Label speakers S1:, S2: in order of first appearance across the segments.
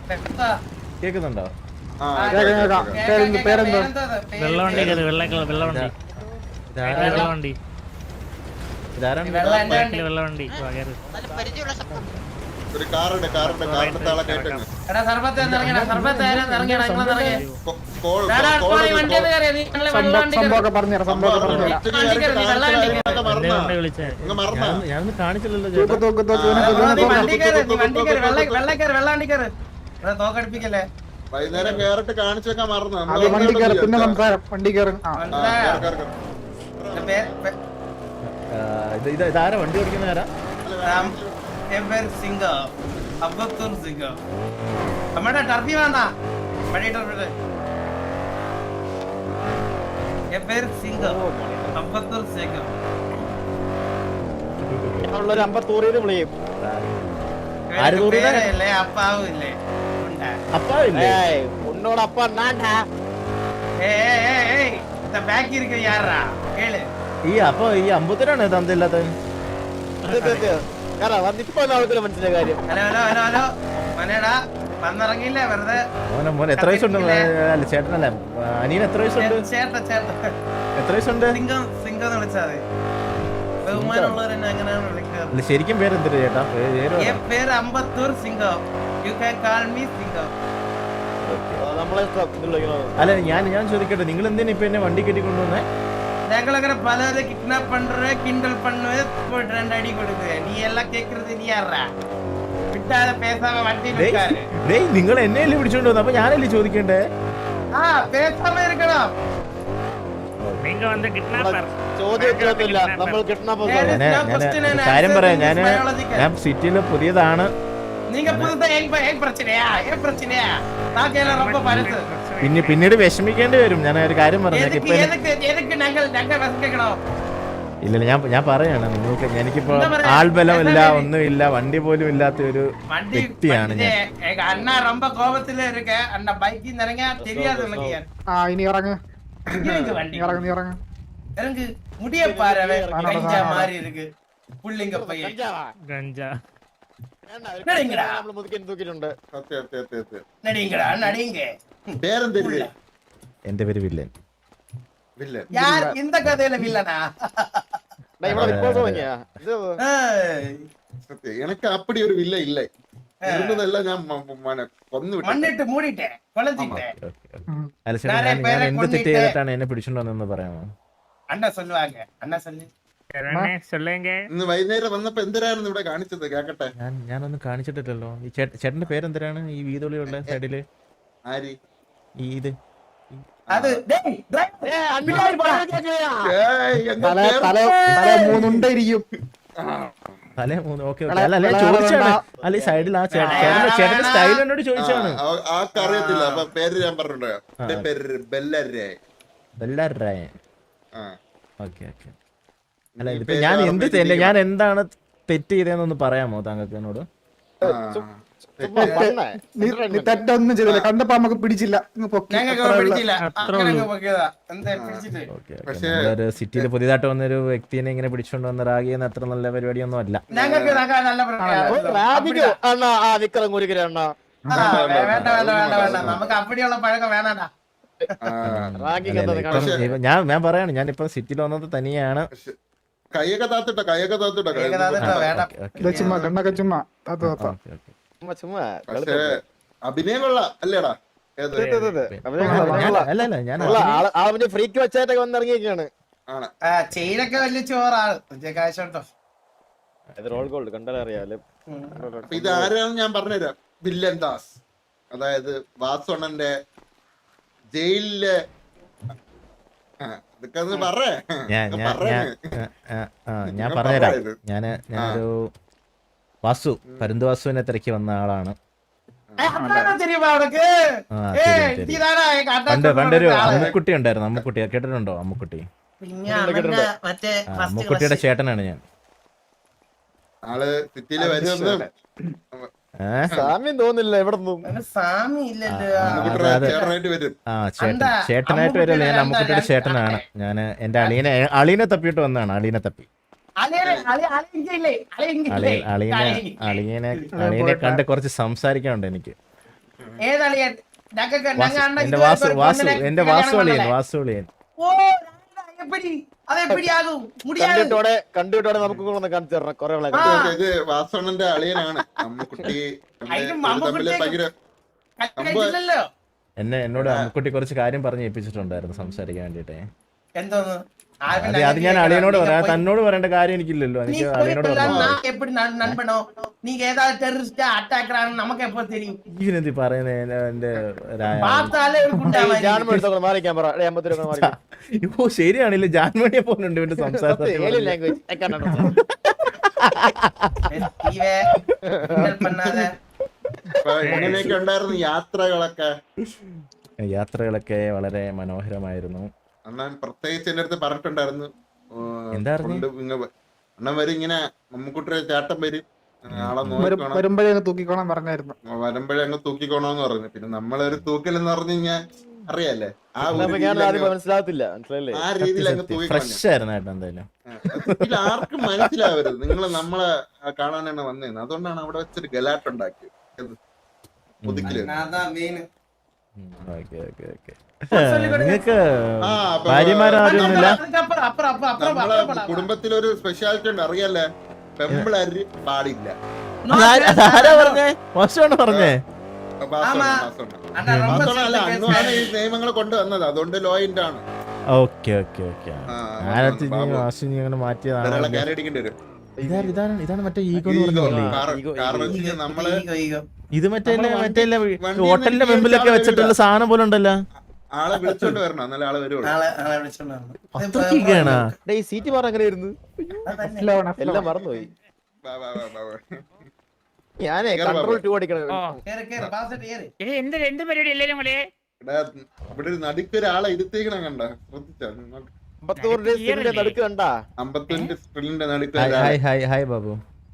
S1: കേക്കുന്നുണ്ടോ?
S2: വെള്ളവണ്ടി
S3: ഒരു കാറുണ്ട് താളെ കേട്ടേക്ക്.
S1: ഞാനൊന്നും കാണിച്ചില്ലല്ലോ.
S3: വൈകുന്നേരം കേറിട്ട് കാണിച്ചു വെക്കാൻ മറന്നു.
S1: ഇതാരാ വണ്ടി ഓടിക്കുന്ന ആരാ?
S4: നമ്മുടെ ടർഫി വേണ്ട പഴയ ടർഫി അപ്പാവില്ലേ
S5: உன்னோட அப்பா நான்டா.
S4: ബാക്കി ഇരിക്കുന്ന യാറാ കേള്.
S1: ഈ അമ്പത്തിനാണ് തന്നില്ലാത്ത.
S5: മനസ്സിലായ കാര്യം.
S4: ഹലോ ഹലോ ഹലോ ഹലോ മനേടാ വന്നിറങ്ങിയില്ലേ വെറുതെ.
S1: മോനെ എത്ര വയസ്സുണ്ട്? അല്ല ചേട്ടനല്ല, അനിയൻ എത്ര വയസ്സുണ്ട്?
S4: ചേട്ടാ ചേട്ടാ
S1: എത്ര വയസ്സുണ്ട്?
S4: സിംഗം സിംഗം എന്ന് വിളിച്ചാൽ മതി. ബഹുമാനമുള്ളവരെന്നെ അങ്ങനെയാണ് വിളിക്കാറ്.
S1: ശരിക്കും പേരെന്തിട്ട് ചേട്ടാ?
S4: പേര് Ambattur Singam. You can call me Singam.
S1: അല്ല ഞാൻ ചോദിക്കട്ടെ, നിങ്ങൾ എന്തിനാ ഇപ്പൊ എന്നെ വണ്ടി കെട്ടി കൊണ്ടുവന്നേ?
S4: ഞങ്ങളങ്ങനെ പലരെ കിഡ്നാപ്പ് പண்றே കിண்டൽ பண்ணுவே போட்டு ரெண்டு அடி கொடுக்குது. நீ எல்லாம் கேக்குறது நீ யாரா? വിട്ടാതെ പേസാമ വണ്ടി നിൽക്കാറ്.
S1: ഡേയ് നിങ്ങൾ എന്നെയല്ലേ പിടിച്ചോണ്ട് വന്നത്, അപ്പൊ ഞാനല്ലേ ചോദിക്കണ്ടേ?
S4: ആ പേസാമ ഇരിക്കണം.
S2: நீங்க வந்து കിഡ്നാപ്പർ
S5: ചോദ്യമൊന്നുമില്ല, നമ്മൾ കിഡ്നാപ്പർ.
S1: കാര്യം പറയാം, ഞാൻ സിറ്റിയില് പുതിയതാണ്.
S4: நீங்க புதுசா ஏன் பிரச்சனையா தாக்கேல ரொம்ப பரிசு.
S1: പിന്നീട് വിഷമിക്കേണ്ടി വരും. ഞാൻ ഒരു കാര്യം പറഞ്ഞു. ഇല്ല ഞാൻ പറയാണ് നിങ്ങൾക്ക്, എനിക്കിപ്പോ ആൾബലം ഇല്ല, ഒന്നുമില്ല, വണ്ടി പോലും ഇല്ലാത്ത ഒരു വ്യക്തിയാണ് ഞാൻ.
S4: അണ്ണാ ரொம்ப கோபத்துல இருக்க. அண்ணா பைக்கில் இறங்க தெரியாது உனக்கு.
S5: ഇനി ഇറങ്ങ്
S4: இறங்கு முடிய பாரு. கஞ்சா மாதிரி இருக்கு புள்ளிங்க பையன்.
S2: ഗഞ്ചാ
S1: എന്റെ പേര് വില്ലൻ.
S4: இந்த கதையில வில்லனா?
S3: எனக்கு அப்படி ஒரு வில்ல இல்லை. இருந்ததெல்லாம் ഞാൻ കൊന്നു വിട്ടു.
S4: മണ്ണിട്ട് മൂടിട്ടെ കൊളത്തിട്ടെ.
S1: ഞാൻ എന്ത് തെറ്റ് ചെയ്തിട്ടാണ് എന്നെ പിടിച്ചോണ്ട് വന്നതെന്ന് പറയാമോ?
S4: അണ്ണാ சொல்லுவாங்க. അണ്ണാ சொல்லு.
S3: ഇന്ന് വൈകുന്നേരം വന്നപ്പോ എന്തിനായിരുന്നു ഇവിടെ കാണിച്ചത്? കേക്കട്ടെ.
S1: ഞാനൊന്നും കാണിച്ചിട്ടില്ലല്ലോ. ഈ ചേട്ടന്റെ പേരെന്തിനാണ് ഈ വീതുളിയുള്ള സൈഡില്?
S3: ആര്
S1: ഇത്?
S4: അത്
S1: തല മൂന്ന്. ഓക്കെ അല്ല ചോദിച്ചാണ്. അല്ല ഈ സൈഡിൽ ആ ചേട്ടന്റെ സ്റ്റൈൽ എന്നോട് ചോദിച്ചാണ്.
S3: അറിയത്തില്ല. അപ്പൊ പേര് ഞാൻ പറഞ്ഞിട്ടുണ്ടോ? പേര് ബെല്ലരായ്.
S1: Okay okay. അല്ല ഇതിപ്പോ ഞാൻ എന്താണ് തെറ്റ് ചെയ്തതെന്നൊന്ന് പറയാമോ താങ്കൾക്ക് എന്നോട്?
S5: തെറ്റൊന്നും ചെയ്തില്ല, കണ്ടപ്പോ നമുക്ക് പിടിച്ചില്ല.
S1: ഒരു സിറ്റിയിൽ പുതിയതായിട്ട് വന്നൊരു വ്യക്തിനെ ഇങ്ങനെ പിടിച്ചോണ്ട് വന്ന റാഗി എന്ന അത്ര നല്ല പരിപാടിയൊന്നും അല്ല.
S4: നമുക്ക് അപ്പടിയുള്ള പഴക്കം വേണടാ.
S1: ഞാൻ പറയാണ്, ഞാനിപ്പോ സിറ്റിയിൽ വന്നത് തനിയാണ്.
S3: കൈയൊക്കെ താത്തിട്ടോ. അഭിനയം കൊള്ളാം അല്ലേടാ?
S1: അല്ലല്ല ഞാൻ
S5: ഫ്രീക്ക് വെച്ചായിട്ടൊക്കെ വന്നിറങ്ങിയൊക്കെയാണ്.
S4: ചെയിനൊക്കെ വലിയ ചോറാണ് കാശോട്ടോ.
S5: റോൾ ഗോൾഡ് കണ്ടാലേ അറിയാലോ.
S3: ഇത് ആരാണെന്ന് ഞാൻ പറഞ്ഞുതരാം. വില്ലൻ ദാസ്, അതായത് വാസോണന്റെ ജയിലിലെ
S1: ഞാൻ പറഞ്ഞുതരാം. ഞാനൊരു വാസു, പരുന്ത് വാസുവിനെ തിരക്കി വന്ന ആളാണ്. പണ്ടൊരു അമ്മുക്കുട്ടി ഉണ്ടായിരുന്നു. അമ്മുക്കുട്ടി കേട്ടിട്ടുണ്ടോ? അമ്മുക്കുട്ടിയുടെ ചേട്ടനാണ് ഞാൻ.
S3: ആള് സിറ്റിയില് വരുന്നത്
S5: സാമ്യം തോന്നില്ല. എവിടെ
S1: ചേട്ടനായിട്ട് വരല്ലേ? ഞാൻ അമ്മുക്കുട്ടിയുടെ ചേട്ടനാണ്. ഞാൻ എന്റെ അളീനെ തപ്പിയിട്ട് വന്നതാണ്. അളീനെ തപ്പി അളിയനെ കണ്ട് കുറച്ച് സംസാരിക്കാനുണ്ട് എനിക്ക്.
S4: ഏതളിയൻ
S1: എന്റെ വാസുളിയൻ
S4: അതെപ്പടിയാകും മുടിയാകും
S5: കണ്ടിട്ടോടെ നമുക്ക് കൊണ്ടൊന്ന് കാണിച്ചു തരണം കൊറേ
S3: ഇത് വാസവണ്ണന്റെ അളിയനാണ് അമ്മുക്കുട്ടി തമ്മില് ഭയങ്കര
S4: കഴിച്ചില്ലല്ലോ
S1: എന്നോട് അമ്മുക്കുട്ടി കുറച്ച് കാര്യം പറഞ്ഞ് ഏൽപ്പിച്ചിട്ടുണ്ടായിരുന്നു സംസാരിക്കാൻ വേണ്ടിട്ടേ.
S4: എന്തോന്ന്
S1: അത് ഞാൻ അളിയനോട് പറയാം, തന്നോട് പറയേണ്ട കാര്യം എനിക്കില്ലല്ലോ. എനിക്ക് അളിയനോട്
S4: எப்படி நண்பனோ நீங்க ஏதாவது டெரரிஸ்ட் அட்டாக்கர் ஆன நமக்கு எப்ப தெரியும்
S1: ഇവനെന്തി പറയുന്നത് എന്റെ
S4: பார்த்தாலே ஒரு குண்டா
S5: മാറിക്കാൻ പറ 50 രൂപ മാറി
S1: ഓ ശരിയാണല്ലേ, ജാൻമണിയെ പോലുണ്ട് ഇവന്റെ സംസാരത്തിൽ.
S4: பண்ணாத
S3: എങ്ങനെയൊക്കെ ഉണ്ടായിരുന്നു
S1: യാത്രകളൊക്കെ വളരെ മനോഹരമായിരുന്നു.
S3: അണ്ണൻ പ്രത്യേകിച്ച് എന്റെ അടുത്ത് പറഞ്ഞിട്ടുണ്ടായിരുന്നു,
S1: എന്താ
S3: അണ്ണൻ വരും ഇങ്ങനെ മമ്മൂക്കുട്ടിയുടെ ചേട്ടൻ വരും, ആളെ നോക്കണം,
S5: വരുമ്പോഴേ തൂക്കിക്കോളാൻ പറഞ്ഞായിരുന്നു.
S3: വരുമ്പോഴേ അങ്ങ് തൂക്കിക്കോണോന്ന് പറഞ്ഞു. പിന്നെ നമ്മളൊരു തൂക്കലെന്ന് പറഞ്ഞു കഴിഞ്ഞാൽ അറിയാലേ, ആ
S5: മനസ്സിലാകത്തില്ല
S3: ആ രീതിയിൽ അങ്ങ്
S1: ഫ്രഷ് ആയിരുന്നു കേട്ടോ. എന്തായാലും
S3: ഇതിൽ ആർക്കും മനസ്സിലാവരുത് നിങ്ങള് നമ്മളെ കാണാനാണ് വന്നേന്ന്. അതുകൊണ്ടാണ് അവിടെ വെച്ചൊരു ഗലാട്ടുണ്ടാക്കിയത്.
S1: നിങ്ങക്ക് ഭാര്യമാരൊന്നുമില്ല?
S3: നമ്മളെ കുടുംബത്തിലൊരു സ്പെഷ്യാലിറ്റി ഉണ്ട് അറിയാലേ, പെമ്പിളരി പാടില്ല.
S1: ആരാ പറഞ്ഞേ? മോശമാണ് പറഞ്ഞേ.
S3: അല്ല, അന്നുമാണ് ഈ നിയമങ്ങൾ കൊണ്ടുവന്നത്, അതുകൊണ്ട് ലോയിന്റ് ആണ്.
S1: Okay okay okay. അങ്ങനെ മാറ്റിയതാണ്.
S3: കയറിയടിക്കേണ്ടി വരും.
S1: ഇതാണ് മറ്റേ ഈഗോ എന്ന് പറഞ്ഞില്ലേ?
S3: നമ്മള്
S1: ഇത് മറ്റേ ഹോട്ടലിന്റെ മുമ്പിലൊക്കെ വെച്ചിട്ടുള്ള സാധനം പോലെ ഉണ്ടല്ലോ.
S3: ആളെ വിളിച്ചോണ്ട് വരണം, എന്നാലും ആളെ വരുള്ളൂ.
S1: അത്രയ്ക്കാണ്
S5: ഈ സീറ്റ് മാറാൻ അങ്ങനെ ഇരുന്ന് എല്ലാം മറന്നുപോയി. ഞാനേ കൺട്രോൾ 2 അടിക്കണം.
S2: എന്ത് പരിപാടി എല്ലാരും കൂടെ
S3: ഇവിടെ ഒരു നടുക്കൊരാളെ ഇരുത്തിക്കണം, കണ്ട ശ്രദ്ധിച്ചാ?
S5: 54 നടുക്ക് കണ്ടാ?
S3: 55 സ്പ്രിന്റിന്റെ നടുക്ക്.
S1: Hi hi hi Babu.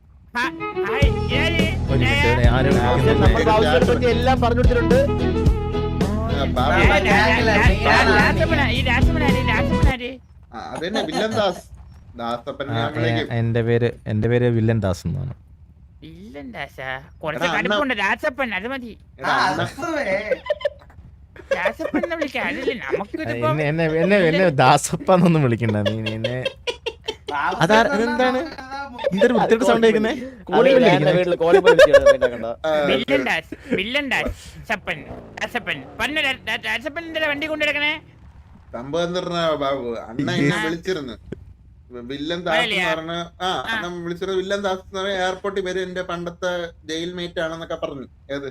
S5: എല്ലാം പറഞ്ഞിട്ടുണ്ട്.
S3: അതന്നെ വില്ലൻ ദാസ്. ദാസപ്പൻ
S1: എന്റെ പേര് വില്ലൻ ദാസ് എന്നാണ്.
S2: കുറച്ച് കടുപ്പുണ്ട് രാസപ്പൻ, അത് മതി.
S1: എന്നെ ദാസപ്പന്നൊന്നും വിളിക്കണ്ട നീ. എന്നെ അതെന്താണ് എന്തൊരു വൃത്തിയുടെ സൗണ്ട് കേൾക്കുന്നേ?
S2: വണ്ടി കൊണ്ടെടുക്കണേ.
S3: സംഭവം എന്താ ബാബു, അണ്ണ എന്നെ വിളിച്ചിരുന്നു വില്ലൻ ദാസ് എന്ന് പറഞ്ഞ. അണ്ണൻ വിളിച്ചിരുന്നു വില്ലൻ ദാസ് എന്ന് പറഞ്ഞ എയർപോർട്ടിൽ വരും, എന്റെ പണ്ടത്തെ ജയിൽ മേറ്റ് ആണെന്നൊക്കെ പറഞ്ഞു. ഏത്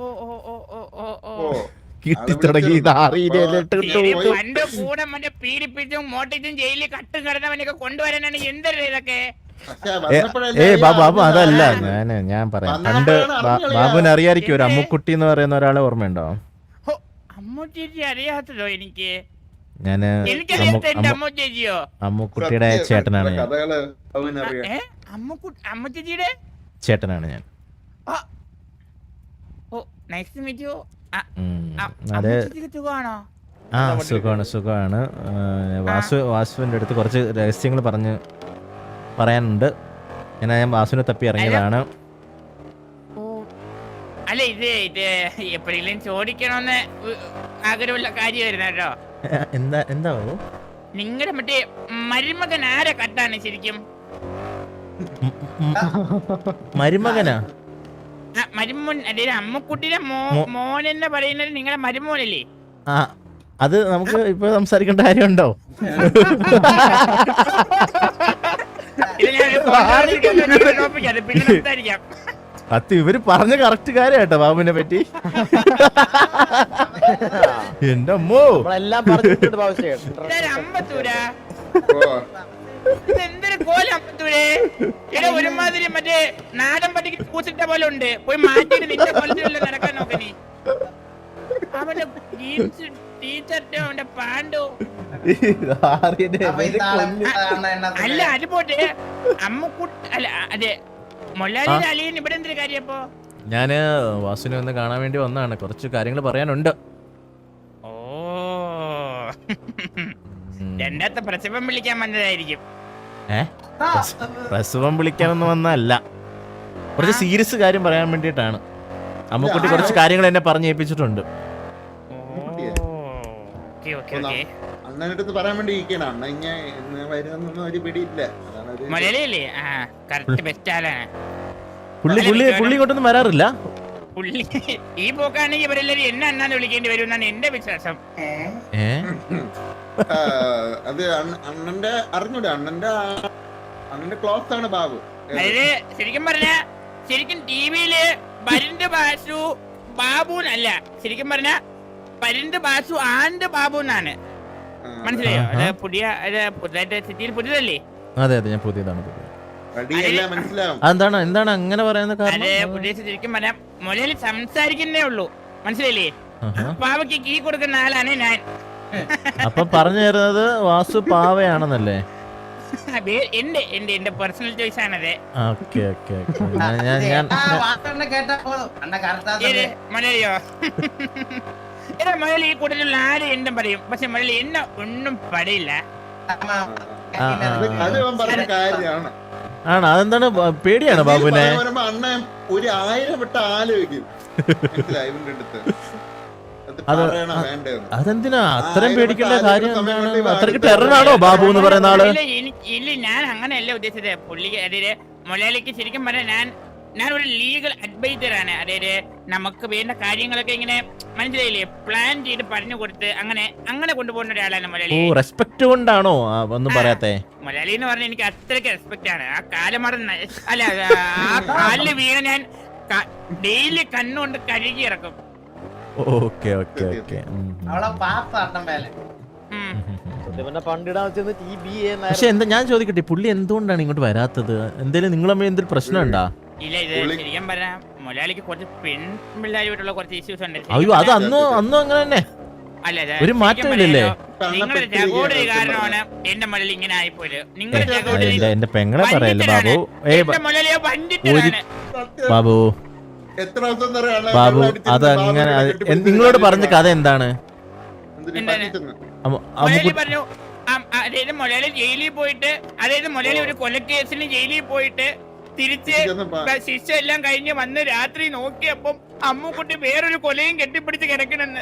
S2: പണ്ട് കൂടെ മറ്റേ പീഡിപ്പിച്ചും മോട്ടിച്ചും ജയിലിൽ കട്ടും കിടന്നവനൊക്കെ കൊണ്ടുവരാനാണ് എന്തൊരു ഇതൊക്കെ.
S1: ബാബു അതല്ല ഞാൻ പറയാം. പണ്ട് ബാബുവിന് അറിയായിരിക്കും ഒരു അമ്മുക്കുട്ടി എന്ന് പറയുന്ന ഒരാളെ ഓർമ്മയുണ്ടോ?
S2: അമ്മുച്ചേച്ചി അറിയാത്തതോ? എനിക്ക്
S1: ഞാന് അമ്മുക്കുട്ടിയുടെ ചേട്ടനാണ് ഞാൻ.
S2: അമ്മുച്ചേച്ചിയുടെ
S1: ചേട്ടനാണ് ഞാൻ. അതെ, സുഖമാണ്. വാസുവിന്റെ അടുത്ത് കുറച്ച് രഹസ്യങ്ങൾ പറയാനുണ്ട്. ഞാൻ വാസുവിനെ തപ്പി ഇറങ്ങിയതാണ്.
S2: അല്ല ഇത് എപ്പോഴെങ്കിലും ചോദിക്കണമെന്ന് ആഗ്രഹമുള്ള കാര്യമായിരുന്നു കേട്ടോ.
S1: എന്താ
S2: നിങ്ങളുടെ മറ്റേ മരുമകൻ ആരെ കട്ടാണ് ശരിക്കും?
S1: മരുമകനാ?
S2: മരുമോൻ അതായത് അമ്മക്കുട്ടിയുടെ മോൻ എന്ന് പറയുന്നത് നിങ്ങളുടെ മരുമോനല്ലേ?
S1: അത് നമുക്ക് ഇപ്പൊ സംസാരിക്കേണ്ട കാര്യമുണ്ടോ? അത് ഇവര് പറഞ്ഞ കറക്റ്റ് കാര്യം കേട്ടോ ബാബുവിനെ പറ്റി. എന്റെ അമ്മോ
S2: അമ്പത്തൂരാ എന്തൊരു കോലം അമ്പത്തൂരെ. ഇവിടെ ഒരുമാതിരി മറ്റേ നാടൻ പട്ടിക്ക് പൂച്ചിട്ട പോലെ ഉണ്ട്. പോയി മാറ്റിട്ട് നിന്റെ കൊല്ലത്തിലുള്ള നടക്കാൻ നോക്ക നീ. അവന്റെ ടീച്ചർട്ടോ അവന്റെ പാൻഡോ അല്ല അത് പോട്ടെ. അമ്മക്കുട്ടി അല്ല അതെ മൊല്ലാലിയുടെ അലിയൻ ഇവിടെ എന്തൊരു കാര്യം? അപ്പൊ
S1: ഞാന് വാസുവിനെ ഒന്ന് കാണാൻ വേണ്ടി വന്നതാണ്. കുറച്ച് കാര്യങ്ങൾ പറയാനുണ്ട്.
S2: ഓ രണ്ടാമത്തെ പ്രസവം വിളിക്കാൻ വന്നതായിരിക്കും.
S1: പ്രസവം വിളിക്കാനൊന്നും വന്നല്ല, കുറച്ച് സീരിയസ് കാര്യം പറയാൻ വേണ്ടിട്ടാണ്. അമ്മക്കുട്ടി കുറച്ച് കാര്യങ്ങൾ എന്നെ പറഞ്ഞു ഏൽപ്പിച്ചിട്ടുണ്ട്.
S3: അണ്ണൻ്റെ അടുത്ത് പറയാൻ വേണ്ടി ഇരിക്കണം. അണ്ണ ഇങ്ങനെ വരുന്നൊന്നും ഒരു പിടിയില്ല. അതാണ് ഒരു
S2: മലയാളിയല്ലേ? ആ കറക്റ്റ് ബെസ്റ്റ് ആളാണ്
S1: പുള്ളി ഇങ്ങോട്ടൊന്നും വരാറില്ല.
S2: പുള്ളി. ഈ പോക്കാണെങ്കിൽ ഇവരെല്ലാരും എന്നെ അണ്ണാന്ന് വിളിക്കേണ്ടി വരും എന്നാണ് എന്റെ വിശ്വാസം.
S3: അത് അണ്ണന്റെ അറിഞ്ഞൂടെ, അണ്ണന്റെ ക്ലോസ് ആണ് ബാബു.
S2: അതായത് ശരിക്കും പറഞ്ഞ ശരിക്കും ടിവിയില് പരിന്ത് ബാസു ബാബുന്നല്ല, ശരിക്കും പറഞ്ഞ പരിന്ത് ബാസു ആൻഡ് ബാബു എന്നാണ്. മനസ്സിലായോ? അത് പുതിയതായിട്ട് സിറ്റിയിൽ പുതിയതല്ലേ?
S1: അതെ ഞാൻ പുതിയതാണ്.
S3: മനസ്സിലാവും.
S1: എന്താണ് അങ്ങനെ പറയുന്ന കാരണം?
S2: പുതിയ ശരിക്കും പറഞ്ഞ മൊലയിൽ സംസാരിക്കുന്നേ ഉള്ളൂ. മനസ്സിലായില്ലേ? പാവയ്ക്ക് കീ കൊടുക്കുന്ന ആളാണ് ഞാൻ.
S1: അപ്പൊ പറഞ്ഞു തരുന്നത് വാസു പാവയാണെന്നല്ലേ?
S2: എന്റെ പേഴ്സണൽ ചോയ്സ് ആണത്. മലയാളിയോ? മലയാളി ഈ കൂട്ടത്തിലുള്ള ആര് എന്തും പറയും, പക്ഷെ മലയാളി എന്നെ ഒന്നും പറയില്ല.
S1: ആണ് അതെന്താണ്? പേടിയാണ് ബാബുവിനെ.
S3: അണ്ണ ഒരു 1000 വട്ടം ആലോചിക്കും. ഇവന്റെ അടുത്ത്
S1: അതെന്തിനാ അത്രയും പേടിക്കേണ്ട കാര്യം? അത്രയ്ക്ക് ടെററാണോ ബാബു എന്ന് പറയുന്ന ആള്?
S2: ഇല്ല, ഞാൻ അങ്ങനെയല്ല ഉദ്ദേശിച്ചത്. പുള്ളി അതായത് മലയാളിക്ക് ശരിക്കും പറഞ്ഞാൽ ഞാൻ ഒരു ലീഗൽ അഡ്വൈസർ ആണ്. അതായത് നമുക്ക് വേണ്ട കാര്യങ്ങളൊക്കെ ഇങ്ങനെ മനസ്സിലായില്ലേ, പ്ലാൻ ചെയ്ത് പറഞ്ഞു കൊടുത്ത് അങ്ങനെ കൊണ്ടുപോകുന്ന ഒരാളാണ് മലയാളി.
S1: റെസ്പെക്ട് കൊണ്ടാണോ ഒന്നും പറയാത്തെ?
S2: മലയാളി എന്ന് പറഞ്ഞാൽ എനിക്ക് അത്രയ്ക്ക് റെസ്പെക്ട് ആണ്. ആ കാലമറന്ന് അല്ല, ആ കാലില് വീണ ഞാൻ ഡെയിലി കണ്ണുകൊണ്ട് കഴുകി ഇറക്കും.
S1: പക്ഷെ എന്താ ഞാൻ ചോദിക്കട്ടെ, പുള്ളി എന്തുകൊണ്ടാണ് ഇങ്ങോട്ട് വരാത്തത്? എന്തേലും നിങ്ങൾ തമ്മിൽ എന്തെങ്കിലും പ്രശ്നം ഉണ്ടാ?
S2: ഇല്ല, ഇത് ശരിക്കും പറഞ്ഞാൽ മലയാളിക്ക് കുറച്ച് പെൺപിള്ളേരുമായിട്ടുള്ള കുറച്ച് ഇഷ്യൂസ് ഉണ്ട്.
S1: അയ്യോ, അത് അന്നും അങ്ങനെ തന്നെ. ഒരു മാറ്റമില്ലല്ലേ?
S2: നിങ്ങളുടെ ജഗോഡരി കാരണമാണ് എന്റെ മലയാളി ഇങ്ങനെ ആയിപ്പോയത്. നിങ്ങളുടെ ജഗോഡരി
S1: എന്റെ പെങ്ങളെ പറയല്ലേ ബാബു.
S2: മലയാളിയെ പണ്ടിട്ടാണ്
S1: ബാബു. ബാബു അതങ്ങനെ നിങ്ങളോട് പറഞ്ഞ കഥ എന്താണ്?
S2: മലയാളി പറഞ്ഞു, അതായത് മലയാളി ജയിലിൽ പോയിട്ട്, അതായത് മലയാളി ഒരു കൊലക്കേസിന് ജയിലിൽ പോയിട്ട് തിരിച്ച് ശിക്ഷ എല്ലാം കഴിഞ്ഞ് വന്ന് രാത്രി നോക്കിയപ്പം അമ്മുക്കുട്ടി വേറൊരു കൊലയും കെട്ടിപ്പിടിച്ച് കിടക്കണെന്ന്.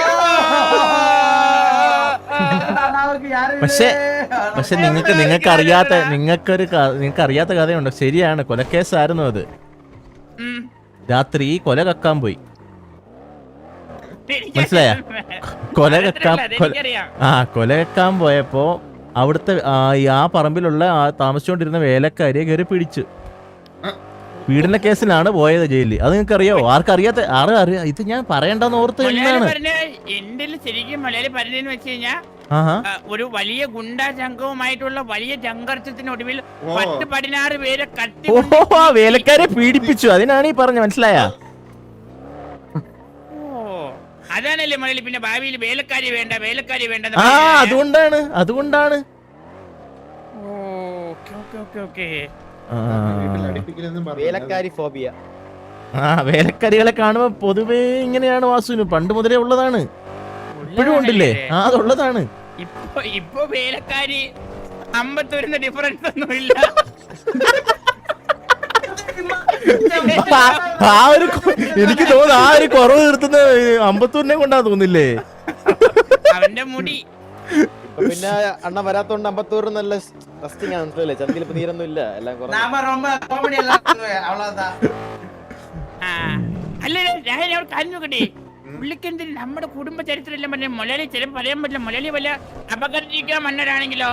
S1: പക്ഷെ നിങ്ങൾക്ക് അറിയാത്ത കഥയുണ്ട്. ശരിയാണ്, കൊലക്കേസായിരുന്നു അത്. രാത്രി കൊല കക്കാൻ പോയി. മനസ്സിലായ? കൊല കക്കാൻ പോയപ്പോ അവിടുത്തെ ആ പറമ്പിലുള്ള താമസിച്ചുകൊണ്ടിരുന്ന വേലക്കാരിയെ കയറി പിടിച്ചു. പീഡന കേസിലാണ് പോയത് ജയിലിൽ. അത് നിങ്ങൾക്ക് അറിയോ? ആർക്കറിയാത്ത അറിയാം. ഇത് ഞാൻ പറയണ്ടെന്ന് ഓർത്ത് എന്താണ്
S2: എന്റെ ശരിക്കും മലയാളി പറഞ്ഞതെന്ന് വെച്ച് കഴിഞ്ഞാൽ, ഒരു വലിയ ഗുണ്ടാ സംഘവുമായിട്ടുള്ള വലിയ സംഘർഷത്തിനൊടുവിൽ 10-16 പേരെ കട്ടി
S1: വേലക്കാരെ പീഡിപ്പിച്ചു. അതിനാണ് ഈ പറഞ്ഞ, മനസ്സിലായ?
S2: അതാണല്ലേ മലയാളി പിന്നെ ഭാവിയിൽ വേലക്കാരി വേണ്ട
S1: അതുകൊണ്ടാണ് വേലക്കാരികളെ കാണുമ്പോ പൊതുവേ ഇങ്ങനെയാണ് വാസുവിന്. പണ്ട് മുതലേ ഉള്ളതാണ്, ഇപ്പോഴും ഉണ്ടല്ലേ? അതുള്ളതാണ്.
S2: ഇപ്പൊ വേലക്കാരി 50 വരുന്ന ഡിഫറൻസ് ഒന്നുമില്ല.
S1: എനിക്ക് തോന്നുന്നു ആ ഒരു കുറവ് നിർത്തുന്ന 50 കൊണ്ടാ തോന്നില്ലേ?
S2: അവന്റെ മുടി
S5: പിന്നെ അണ്ണ വരാത്തോണ്ട് 50 നല്ല റെസ്റ്റിംഗ് ആണ്. മനസ്സിലല്ലേ? ചന്തിയിൽ ഇപ്പൊ നീരൊന്നും ഇല്ല, എല്ലാം
S2: അല്ല കാര്യം നോക്കട്ടെ. പുള്ളിക്കെന്തിന് നമ്മുടെ കുടുംബ ചരിത്രം എല്ലാം പറഞ്ഞ മലയാളി ചിലപ്പോൾ പറയാൻ പറ്റില്ല. മലയാളി വല്ല അപകടിക്കാൻ മന്നരാണെങ്കിലോ?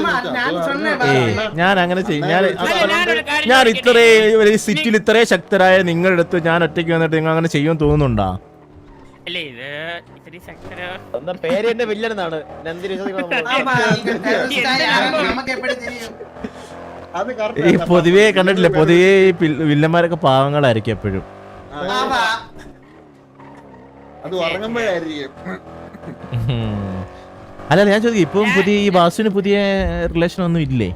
S1: ഞാൻ അങ്ങനെ ചെയ്യും. ഞാൻ ഇത്രയും സിറ്റിയിൽ ഇത്രയും ശക്തരായ നിങ്ങളുടെ അടുത്ത് ഞാൻ ഒറ്റയ്ക്ക് വന്നിട്ട് നിങ്ങൾ അങ്ങനെ ചെയ്യുമെന്ന് തോന്നുന്നുണ്ടോ?
S2: അല്ലേ, ഇത് ഇത്തിരി ശക്തര
S5: പേര് എന്റെ വില്ലനാണ്.
S1: ഈ പൊതുവേ കണ്ടിട്ടില്ലേ, പൊതുവേ വില്ലന്മാരൊക്കെ പാവങ്ങളായിരിക്കും എപ്പോഴും. അല്ല ഞാൻ ചോദിക്കും, ഇപ്പം പുതിയ ഈ വാസുവിന് പുതിയ റിലേഷൻ ഒന്നും ഇല്ലേ?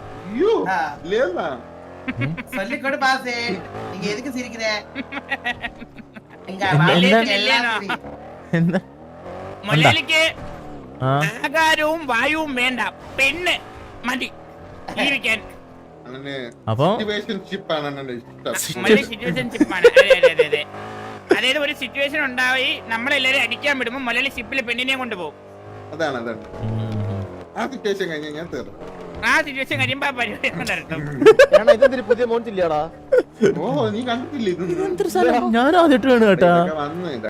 S2: മലയാളിക്ക് ആകാരവും വായുവും വേണ്ട, പെണ്ണ് മതി ജീവിക്കാൻ.
S1: അപ്പൊ
S2: സിറ്റുവേഷൻഷിപ്പാണ്. അതായത് ഒരു സിറ്റുവേഷൻ ഉണ്ടായി നമ്മളെല്ലാരും അടിക്കാൻ വിടുമ്പോ മുലളി ഷിപ്പിൽ പെണ്ണിനെ കൊണ്ടുപോകും.
S3: അതാണ് ആ സിറ്റുവേഷൻ കഴിഞ്ഞ് ഞാൻ തീർന്നു.
S2: ആ സിറ്റുവേഷൻ കഴിയുമ്പോ ആ പരിപാടി നടത്തും.
S5: ഇതെന്തൊരു പുതിയ മോണിച്ചില്ലാടാ.
S3: ഓ നീ കണ്ടിട്ടില്ല ഇതൊന്നും
S1: ഞാൻ ആദ്യമായിട്ട് വേണം കേട്ടാ.
S3: വന്നു